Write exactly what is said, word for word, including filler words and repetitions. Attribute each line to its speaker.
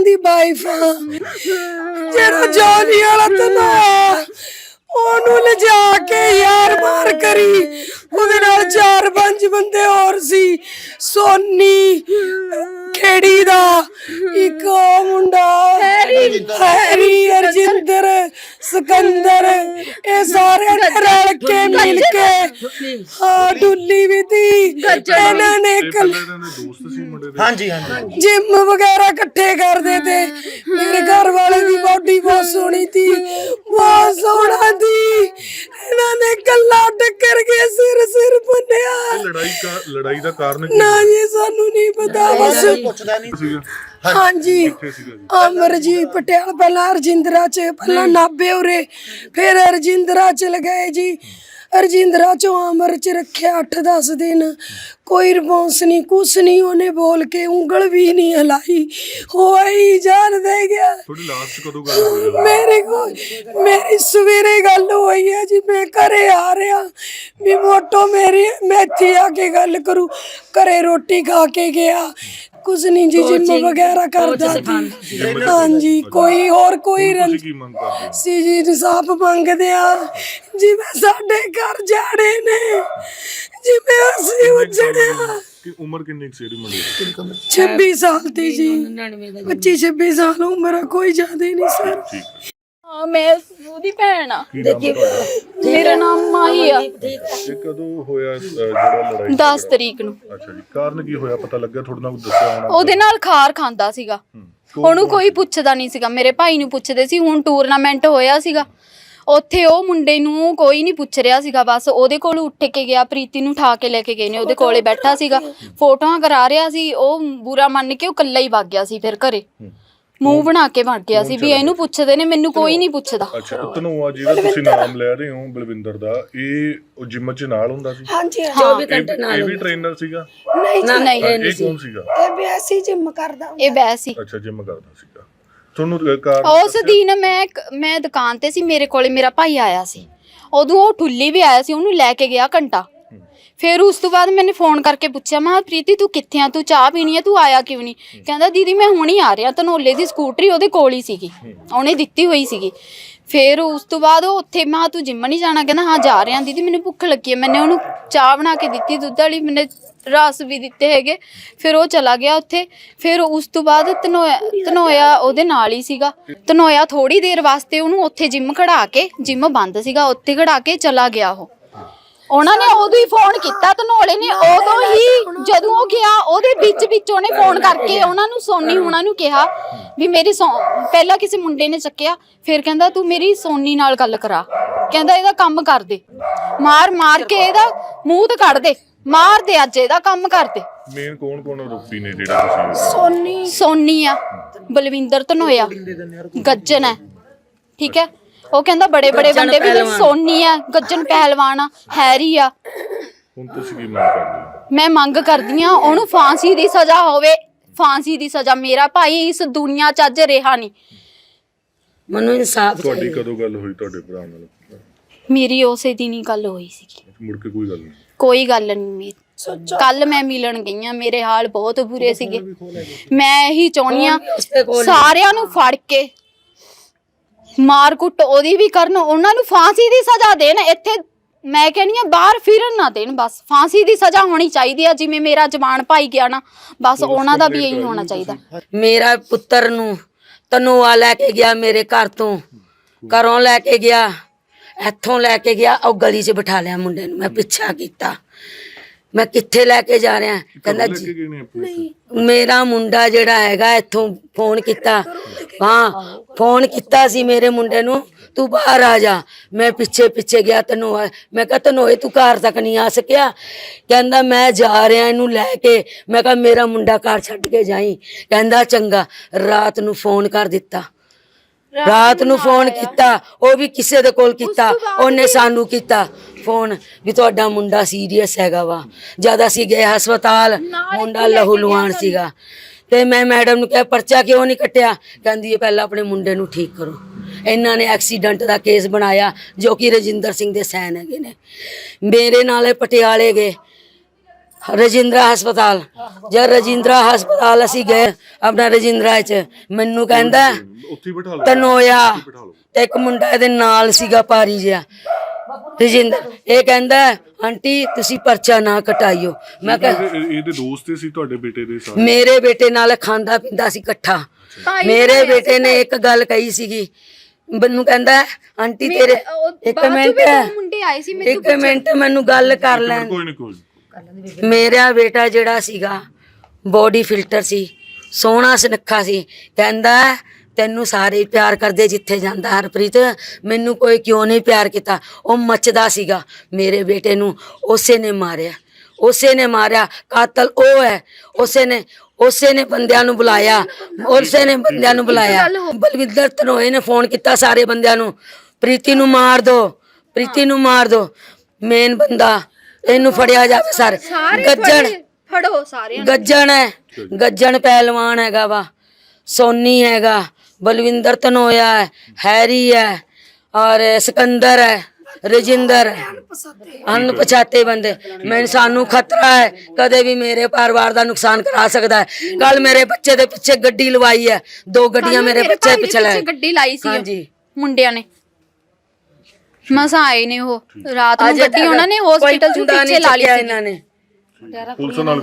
Speaker 1: ਦੀ wife ਆ। ਜਿਹੜਾ Jolie ਵਾਲਾ ਤਨਾ ਉਹਨੂੰ ਲਿਜਾ ਕੇ ਯਾਰ ਮਾਰ ਕਰੀ, ਉਹਦੇ ਨਾਲ ਚਾਰ ਪੰਜ ਬੰਦੇ ਹੋਰ ਸੀ। ਸੋਨੀ ਖੇੜੀ ਦਾ ਇੱਕ ਉਹ ਮੁੰਡਾ ਹੈਰੀ, ਅਰਜਿੰਦਰ, ਸਿਕੰਦਰ, ਇਹ ਸਾਰੇ ਨੇ ਰਲ ਕੇ ਮਿਲ ਕੇ ਹਾਂ ਡੁੱਲੀ ਵੀ ਤੀ। ਇਹਨਾਂ ਨੇ ਹਾਂਜੀ ਹਾਂਜੀ ਜਿਮ ਵਗੈਰਾ ਇਕੱਠੇ ਕਰਦੇ ਤੇ। ਮੇਰੇ ਘਰ ਵਾਲੇ ਦੀ ਬੋਡੀ ਬਹੁਤ ਸੋਹਣੀ ਤੀ, ਬਹੁਤ ਸੋਹਣਾ ਤੀ। ਇਹਨਾਂ ਨੇ ਗੱਲਾਂ ਟੱਕਰ ਕੇ ਸਿਰ ਸਿਰ ਭੰਨਿਆ।
Speaker 2: ਲੜਾਈ ਦਾ ਲੜਾਈ ਦਾ ਕਾਰਨ
Speaker 1: ਨਾ ਜੀ ਸਾਨੂੰ ਨਹੀਂ ਪਤਾ। ਬਸ
Speaker 2: ਪੁੱਛਦਾ ਨਹੀਂ ਸੀਗਾ।
Speaker 1: ਹਾਂਜੀ ਅਮਰਜੀਤ ਪਟਿਆਲਾ, ਪਹਿਲਾਂ ਰਜਿੰਦਰਾ ਚ, ਪਹਿਲਾਂ ਨਾਭੇ ਉਰੇ, ਫਿਰ ਰਜਿੰਦਰਾ ਚਲ ਗਏ ਜੀ। ਰਜਿੰਦਰਾ ਚੋਂ ਅਮਰ ਚ ਰੱਖਿਆ ਅੱਠ ਦਸ ਦਿਨ, ਕੋਈ ਰਿਸਪੌਂਸ ਨਹੀਂ, ਕੁਛ ਨਹੀਂ। ਉਹਨੇ ਬੋਲ ਕੇ ਉਂਗਲ ਵੀ ਨਹੀਂ ਹਿਲਾਈ, ਹੋਈ ਜਾਨ ਦੇ ਗਿਆ।
Speaker 2: ਤੁਹਾਡੀ ਲਾਸਟ ਕਦੋਂ ਗੱਲ ਹੋਈ?
Speaker 1: ਮੇਰੇ ਕੋਲ ਮੇਰੀ ਸਵੇਰੇ ਗੱਲ ਹੋਈ ਹੈ ਜੀ। ਮੈਂ ਘਰੇ ਆ ਰਿਹਾ ਵੀ ਮੋਟੋ ਮੇਰੀ ਮੈਂ ਇੱਥੇ ਆ ਕੇ ਗੱਲ ਕਰੂ। ਘਰੇ ਰੋਟੀ ਖਾ ਕੇ ਗਿਆ, ਕੁਛ ਨਹੀਂ ਜੀ, ਜਿਮ ਵਗੈਰਾ ਕਰਦਾ ਸੀ। ਹਾਂਜੀ ਕੋਈ ਹੋਰ ਕੋਈ ਰੰਜ ਸੀ ਜੀ, ਇਨਸਾਫ ਮੰਗਦੇ ਆ ਜਿਵੇਂ ਸਾਡੇ ਘਰ ਜਾੜੇ ਨੇ, ਜਿਵੇਂ ਅਸੀਂ ਉਜੜਿਆ।
Speaker 2: ਉਮਰ ਕਿੰਨੀ ਸੀ ਇਹਦੀ ਮੁੰਡੇ ਦੀ?
Speaker 1: ਛੱਬੀ ਸਾਲ ਦੀ ਜੀ, ਪੱਚੀ ਛੱਬੀ ਸਾਲ ਉਮਰ ਆ, ਕੋਈ ਜ਼ਿਆਦਾ ਨਹੀਂ ਸਰ।
Speaker 3: ਹਾਂ ਮੈਂ ਉਹਦੀ ਭੈਣ ਆ। ਮੇਰਾ ਨਾਮ ਮਾਹੀ ਆ।
Speaker 2: ਇਹ ਕਦੋਂ ਹੋਇਆ ਜਿਹੜਾ ਲੜਾਈ?
Speaker 3: ਦਸ ਤਰੀਕ ਨੂੰ।
Speaker 2: ਅੱਛਾ ਜੀ, ਕਾਰਨ ਕੀ ਹੋਇਆ ਪਤਾ ਲੱਗਿਆ? ਥੋੜਾ ਨਾ ਦੱਸਿਆ ਹੋਣਾ।
Speaker 3: ਉਹਦੇ ਨਾਲ ਖਾਰ ਖਾਂਦਾ ਸੀਗਾ, ਉਹਨੂੰ ਕੋਈ ਪੁੱਛਦਾ ਨਹੀਂ ਸੀਗਾ। ਮੇਰੇ ਭਾਈ ਨੂੰ ਪੁੱਛਦੇ ਸੀ। ਹੁਣ ਟੂਰਨਾਮੈਂਟ ਹੋਇਆ ਸੀਗਾ ਉੱਥੇ, ਉਹ ਮੁੰਡੇ ਨੂੰ ਕੋਈ ਨਹੀਂ ਪੁੱਛ ਰਿਹਾ ਸੀਗਾ। ਬਸ ਉਹਦੇ ਕੋਲ ਉੱਠ ਕੇ ਗਿਆ, ਪ੍ਰੀਤੀ ਨੂੰ ਉਠਾ ਕੇ ਲੈ ਕੇ ਗਏ ਨੇ, ਉਹਦੇ ਕੋਲੇ ਬੈਠਾ ਸੀਗਾ, ਫੋਟੋਆਂ ਕਰਾ ਰਿਹਾ ਸੀ। ਉਹ ਬੁਰਾ ਮੰਨ ਕੇ ਉਹ ਇਕੱਲਾ ਹੀ ਵਗ ਗਿਆ ਸੀ। ਫਿਰ ਘਰੇ ਮੂੰਹ ਬਣਾ ਕੇ ਵਗ ਗਿਆ ਸੀ ਵੀ ਇਹਨੂੰ ਪੁੱਛਦੇ ਨੇ, ਮੈਨੂੰ ਕੋਈ ਨਹੀਂ ਪੁੱਛਦਾ।
Speaker 2: ਅੱਛਾ, ਧਨੋਆ ਜਿਹੜਾ ਤੁਸੀਂ ਨਾਮ ਲੈ ਰਹੇ ਹੋ ਬਲਵਿੰਦਰ ਦਾ, ਇਹ ਉਹ ਜਿਮ ਚ ਨਾਲ ਹੁੰਦਾ ਸੀ?
Speaker 1: ਹਾਂਜੀ
Speaker 3: ਚੌਵੀ
Speaker 1: ਘੰਟੇ
Speaker 2: ਨਾਲ। ਇਹ ਵੀ ਟ੍ਰੇਨਰ ਸੀਗਾ?
Speaker 1: ਨਹੀਂ
Speaker 3: ਨਹੀਂ
Speaker 2: ਇਹ ਕੌਣ ਸੀਗਾ?
Speaker 1: ਇਹ ਵੈਸੀ ਜਿਮ ਕਰਦਾ,
Speaker 3: ਇਹ ਵੈਸੀ।
Speaker 2: ਅੱਛਾ, ਜਿਮ ਕਰਦਾ ਸੀਗਾ। ਤੁਹਾਨੂੰ ਕਾਰ
Speaker 3: ਉਸ ਦਿਨ ਮੈਂ ਮੈਂ ਦੁਕਾਨ ਤੇ ਸੀ, ਮੇਰੇ ਕੋਲੇ ਮੇਰਾ ਭਾਈ ਆਇਆ ਸੀ। ਉਦੋਂ ਉਹ ਠੁੱਲੀ ਵੀ ਆਇਆ ਸੀ, ਉਹਨੂੰ ਲੈ ਕੇ ਗਿਆ ਘੰਟਾ। ਫਿਰ ਉਸ ਤੋਂ ਬਾਅਦ ਮੈंने ਫੋਨ ਕਰਕੇ ਪੁੱਛਿਆ, ਮੈਂ ਪ੍ਰੀਤੀ ਤੂੰ ਕਿੱਥੇ ਆ, ਤੂੰ ਚਾਹ ਪੀਣੀ ਹੈ, ਤੂੰ ਆਇਆ ਕਿਉਂ ਨਹੀਂ? ਕਹਿੰਦਾ ਦੀਦੀ ਮੈਂ ਹੁਣ ਹੀ ਆ ਰਿਹਾ। ਧਨੋਲੇ ਦੀ ਸਕੂਟਰੀ ਉਹਦੇ ਕੋਲ ਹੀ ਸੀਗੀ, ਉਹਨੇ ਦਿੱਤੀ ਹੋਈ ਸੀਗੀ। ਫਿਰ ਉਸ ਤੋਂ ਬਾਅਦ ਉਹ ਉੱਥੇ, ਮੈਂ ਤੂੰ ਜਿੰਮ ਨਹੀਂ ਜਾਣਾ? ਕਹਿੰਦਾ ਹਾਂ ਜਾ ਰਿਹਾ ਦੀਦੀ, ਮੈਨੂੰ ਭੁੱਖ ਲੱਗੀ ਹੈ। ਮੈंने ਉਹਨੂੰ ਚਾਹ ਬਣਾ ਕੇ ਦਿੱਤੀ ਦੁੱਧ ਵਾਲੀ, ਮੈंने ਰਸ ਵੀ ਦਿੱਤੇ ਹੈਗੇ। ਫਿਰ ਉਹ ਚਲਾ ਗਿਆ ਉੱਥੇ। ਫਿਰ ਉਸ ਤੋਂ ਬਾਅਦ ਧਨੋਇਆ ਧਨੋਇਆ ਉਹਦੇ ਨਾਲ ਹੀ ਸੀਗਾ। ਧਨੋਇਆ ਥੋੜੀ ਦੇਰ ਵਾਸਤੇ ਉਹਨੂੰ ਉੱਥੇ ਜਿੰਮ ਖੜਾ ਕੇ, ਜਿੰਮ ਬੰਦ ਸੀਗਾ, ਉੱਥੇ ਖੜਾ ਕੇ ਚਲਾ ਗਿਆ। ਉਹ ਉਹਨਾਂ ਨੇ ਉਦੋਂ ਹੀ ਫੋਨ ਕੀਤਾ, ਧਨੋਲੇ ਨੇ ਉਦੋਂ ਹੀ, ਜਦੋਂ ਉਹ ਗਿਆ ਉਹਦੇ ਵਿੱਚ ਵਿੱਚ ਉਹਨੇ ਫੋਨ ਕਰਕੇ ਉਹਨਾਂ ਨੂੰ, ਸੋਨੀ ਹੁਣਾਂ ਨੂੰ ਕਿਹਾ ਵੀ ਮੇਰੀ ਸੋ ਪਹਿਲਾਂ ਕਿਸੇ ਮੁੰਡੇ ਨੇ ਚੱਕਿਆ, ਫਿਰ ਕਹਿੰਦਾ ਤੂੰ ਮੇਰੀ ਸੋਨੀ ਨਾਲ ਗੱਲ ਕਰਾ, ਕਹਿੰਦਾ ਇਹਦਾ ਕੰਮ ਕਰ ਦੇ, ਮਾਰ ਮਾਰ ਕੇ ਇਹਦਾ ਮੂੰਹ ਤੇ ਕੱਢ ਦੇ, ਮਾਰ ਦੇ, ਅੱਜ ਇਹਦਾ ਕੰਮ ਕਰ ਦੇ।
Speaker 2: ਮੇਨ ਕੌਣ ਕੌਣ ਆਰੋਪੀ ਨੇ ਜਿਹੜਾ ਤੁਸੀਂ?
Speaker 1: ਸੋਨੀ
Speaker 3: ਸੋਨੀ ਆ, ਬਲਵਿੰਦਰ ਧਨੋਇਆ, ਗੱਜਨ ਹੈ, ਠੀਕ ਹੈ। ਉਹ ਕਹਿੰਦਾ ਬੜੇ ਬੜੇ ਬੰਦੇ ਵੀ, ਸੋਨੀ ਆ, ਗੱਜਨ ਪਹਿਲਵਾਨ ਆ, ਹੈਰੀ ਆ।
Speaker 2: ਹੁਣ ਤੁਸੀਂ ਕੀ ਮੰਗ ਕਰਦੇ ਹੋ?
Speaker 3: ਮੈਂ ਮੰਗ ਕਰਦੀ ਆ ਉਹਨੂੰ ਫਾਂਸੀ ਦੀ ਸਜ਼ਾ ਹੋਵੇ, ਫਾਂਸੀ ਦੀ ਸਜ਼ਾ। ਮੇਰਾ ਭਾਈ ਇਸ ਦੁਨੀਆ 'ਚ ਅੱਜ ਰਿਹਾ ਨਹੀਂ।
Speaker 1: ਮੈਨੂੰ ਇਨਸਾਫ।
Speaker 2: ਤੁਹਾਡੀ ਕਦੋਂ ਗੱਲ ਹੋਈ ਤੁਹਾਡੇ ਭਰਾ ਨਾਲ?
Speaker 3: ਮੇਰੀ ਉਸੇ ਦਿਨ ਹੀ ਗੱਲ ਹੋਈ ਸੀਗੀ,
Speaker 2: ਮੁੜ ਕੇ ਕੋਈ ਗੱਲ ਨਹੀਂ?
Speaker 3: ਕੋਈ ਗੱਲ ਨਹੀਂ। ਕੱਲ ਮੈਂ ਮਿਲਣ ਗਈ ਆ, ਮੇਰੇ ਹਾਲ ਬਹੁਤ ਬੁਰੇ ਸੀਗੇ। ਮੈਂ ਇਹੀ ਚਾਹੁੰਦੀ ਆ ਸਾਰਿਆਂ ਨੂੰ ਫੜ ਕੇ ਮਾਰ ਕੁੱਟ ਉਹਦੀ ਵੀ ਕਰਨ, ਉਹਨਾਂ ਨੂੰ ਫਾਂਸੀ ਦੀ ਸਜ਼ਾ ਦੇਣ। ਇੱਥੇ ਮੈਂ ਕਹਿੰਦੀ ਆ ਬਾਹਰ ਫਿਰਨ ਨਾ ਦੇਣ, ਬਸ ਫਾਂਸੀ ਦੀ ਸਜ਼ਾ ਹੋਣੀ ਚਾਹੀਦੀ ਆ। ਜਿਵੇਂ ਮੇਰਾ ਜਵਾਨ ਭਾਈ ਗਿਆ ਨਾ, ਬਸ ਉਹਨਾਂ ਦਾ ਵੀ ਇਹੀ ਹੋਣਾ ਚਾਹੀਦਾ।
Speaker 4: ਮੇਰਾ ਪੁੱਤਰ ਨੂੰ ਧਨੋਆ ਲੈ ਕੇ ਗਿਆ, ਮੇਰੇ ਘਰ ਤੋਂ, ਘਰੋਂ ਲੈ ਕੇ ਗਿਆ, ਇੱਥੋਂ ਲੈ ਕੇ ਗਿਆ, ਉਹ ਗਲੀ 'ਚ ਬਿਠਾ ਲਿਆ ਮੁੰਡੇ ਨੂੰ। ਮੈਂ ਪਿੱਛਾ ਕੀਤਾ, ਮੈਂ ਕਿੱਥੇ ਲੈ ਕੇ ਜਾ ਰਿਹਾ? ਕਹਿੰਦਾ ਜੀ ਮੇਰਾ ਮੁੰਡਾ ਜਿਹੜਾ ਹੈਗਾ ਇੱਥੋਂ ਫੋਨ ਕੀਤਾ, ਹਾਂ ਫੋਨ ਕੀਤਾ ਸੀ ਮੇਰੇ ਮੁੰਡੇ ਨੂੰ, ਤੂੰ ਬਾਹਰ ਆ ਜਾ। ਮੈਂ ਪਿੱਛੇ ਪਿੱਛੇ ਗਿਆ ਧਨੋਆ। ਮੈਂ ਕਿਹਾ ਧਨੋਏ ਤੂੰ ਘਰ ਤੱਕ ਨਹੀਂ ਆ ਸਕਿਆ? ਕਹਿੰਦਾ ਮੈਂ ਜਾ ਰਿਹਾ ਇਹਨੂੰ ਲੈ ਕੇ। ਮੈਂ ਕਿਹਾ ਮੇਰਾ ਮੁੰਡਾ ਘਰ ਛੱਡ ਕੇ ਜਾਈ। ਕਹਿੰਦਾ ਚੰਗਾ। ਰਾਤ ਨੂੰ ਫੋਨ ਕਰ ਦਿੱਤਾ, ਰਾਤ ਨੂੰ ਫੋਨ ਕੀਤਾ, ਉਹ ਵੀ ਕਿਸੇ ਦੇ ਕੋਲ ਕੀਤਾ, ਉਹਨੇ ਸਾਨੂੰ ਕੀਤਾ ਫੋਨ ਵੀ ਤੁਹਾਡਾ ਮੁੰਡਾ ਸੀਰੀਅਸ ਹੈਗਾ ਵਾ। ਜਦ ਅਸੀਂ ਗਏ ਹਸਪਤਾਲ, ਮੁੰਡਾ ਲਹੂ ਲੁਹਾਨ ਸੀਗਾ। ਤੇ ਮੈਂ ਮੈਡਮ ਨੂੰ ਕਿਹਾ ਪਰਚਾ ਕਿਉਂ ਨਹੀਂ ਕੱਟਿਆ? ਕਹਿੰਦੀ ਇਹ ਪਹਿਲਾਂ ਆਪਣੇ ਮੁੰਡੇ ਨੂੰ ਠੀਕ ਕਰੋ। ਇਹਨਾਂ ਨੇ ਐਕਸੀਡੈਂਟ ਦਾ ਕੇਸ ਬਣਾਇਆ ਜੋ ਕਿ ਰਜਿੰਦਰ ਸਿੰਘ ਦੇ ਸੈਨ ਹੈਗੇ ਨੇ। ਮੇਰੇ ਨਾਲ ਪਟਿਆਲੇ ਗਏ, ਰਜਿੰਦਰਾ ਹਸਪਤਾਲ। ਜਦ ਰਜਿੰਦਰਾ ਹਸਪਤਾਲ ਅਸੀਂ ਗਏ ਆਪਣਾ ਰਜਿੰਦਰਾ ਚ, ਮੈਨੂੰ ਕਹਿੰਦਾ
Speaker 2: ਉੱਥੇ ਹੀ ਬਿਠਾ ਲਓ,
Speaker 4: ਤਨੋਇਆ ਤੇ ਇੱਕ ਮੁੰਡਾ ਇਹਦੇ ਨਾਲ ਸੀਗਾ ਭਾਰੀ ਜਿਹਾ ਰਜਿੰਦਰ, ਇਹ ਕਹਿੰਦਾ ਆਂਟੀ ਤੁਸੀਂ ਪਰਚਾ ਨਾ ਕਟਾਈਓ। ਮੈਂ ਕਿਹਾ
Speaker 2: ਇਹਦੇ ਇਹਦੇ ਦੋਸਤ ਸੀ ਤੁਹਾਡੇ ਬੇਟੇ ਦੇ ਸਾਰੇ?
Speaker 4: ਮੇਰੇ ਬੇਟੇ ਨਾਲ ਖਾਂਦਾ ਪੀਂਦਾ ਸੀ ਇਕੱਠਾ। ਮੇਰੇ ਬੇਟੇ ਨੇ ਇੱਕ ਗੱਲ ਕਹੀ ਸੀਗੀ, ਮੈਨੂੰ ਕਹਿੰਦਾ ਆਂਟੀ ਤੇਰੇ ਇੱਕ ਮਿੰਟ
Speaker 3: ਮੁੰਡੇ ਆਏ ਸੀ ਮੇਰੇ
Speaker 4: ਇੱਕ ਮਿੰਟ ਮੈਨੂੰ ਗੱਲ ਕਰ ਲੈਣ।
Speaker 2: ਕੋਈ ਨਹੀਂ ਕੋਈ ਨੀ।
Speaker 4: ਮੇਰਾ ਬੇਟਾ ਜਿਹੜਾ ਸੀਗਾ ਬੋਡੀ ਫਿਲਟਰ ਸੀ, ਸੋਹਣਾ ਸੁਨੱਖਾ ਸੀ, ਕਹਿੰਦਾ ਤੈਨੂੰ ਸਾਰੇ ਪਿਆਰ ਕਰਦੇ ਜਿੱਥੇ ਜਾਂਦਾ ਹਰਪ੍ਰੀਤ, ਮੈਨੂੰ ਕੋਈ ਕਿਉਂ ਨਹੀਂ ਪਿਆਰ ਕੀਤਾ। ਉਹ ਮੱਚਦਾ ਸੀਗਾ। ਮੇਰੇ ਬੇਟੇ ਨੂੰ ਉਸੇ ਨੇ ਮਾਰਿਆ, ਉਸੇ ਨੇ ਮਾਰਿਆ। ਕਾਤਲ ਉਹ ਹੈ, ਉਸੇ ਨੇ ਉਸੇ ਨੇ ਬੰਦਿਆਂ ਨੂੰ ਬੁਲਾਇਆ, ਉਸੇ ਨੇ ਬੰਦਿਆਂ ਨੂੰ ਬੁਲਾਇਆ। ਬਲਵਿੰਦਰ ਧਨੋਏ ਨੇ ਫੋਨ ਕੀਤਾ ਸਾਰੇ ਬੰਦਿਆਂ ਨੂੰ, ਪ੍ਰੀਤੀ ਨੂੰ ਮਾਰ ਦੋ, ਪ੍ਰੀਤੀ ਨੂੰ ਮਾਰ ਦੋ। ਮੇਨ ਬੰਦਾ ਇਹਨੂੰ ਫੜਿਆ ਜਾਵੇ ਸਰ। ਗੱਜਣ
Speaker 3: ਫੜੋ ਸਾਰੇ
Speaker 4: ਗੱਜਣ ਹੈ, ਗੱਜਣ ਪਹਿਲਵਾਨ ਹੈਗਾ ਵਾ, ਸੋਨੀ ਹੈਗਾ, ਬਲਵਿੰਦਰ ਧਨੋਇਆ ਹੈ, ਹੈਰੀ ਹੈ ਔਰ ਸਿਕੰਦਰ ਹੈ, ਰਜਿੰਦਰ ਹੈ, ਅਣਪਛਾਤੇ ਬੰਦੇ। ਮੈਨੂੰ ਸਾਨੂੰ ਖਤਰਾ ਹੈ, ਕਦੇ ਵੀ ਮੇਰੇ ਪਰਿਵਾਰ ਦਾ ਨੁਕਸਾਨ ਕਰਾ ਸਕਦਾ ਹੈ। ਕੱਲ ਮੇਰੇ ਬੱਚੇ ਦੇ ਪਿੱਛੇ ਗੱਡੀ ਲਵਾਈ ਹੈ, ਦੋ ਗੱਡੀਆਂ ਮੇਰੇ ਬੱਚੇ ਪਿੱਛੇ ਲਾਈ,
Speaker 3: ਗੱਡੀ ਲਾਈ ਸੀ
Speaker 4: ਹਾਂਜੀ
Speaker 3: ਮੁੰਡਿਆਂ ਨੇ। ਮਸਾਂ ਆਏ ਨੇ ਉਹ ਰਾਤ ਨੂੰ ਗੱਡੀ ਉਹਨਾਂ ਨੇ ਹਸਪੀਟਲ ਚ ਪਿੱਛੇ ਲਾ ਲਈ ਸੀ
Speaker 4: ਇਹਨਾਂ ਨੇ।
Speaker 2: ਪੁਲਿਸ ਨਾਲ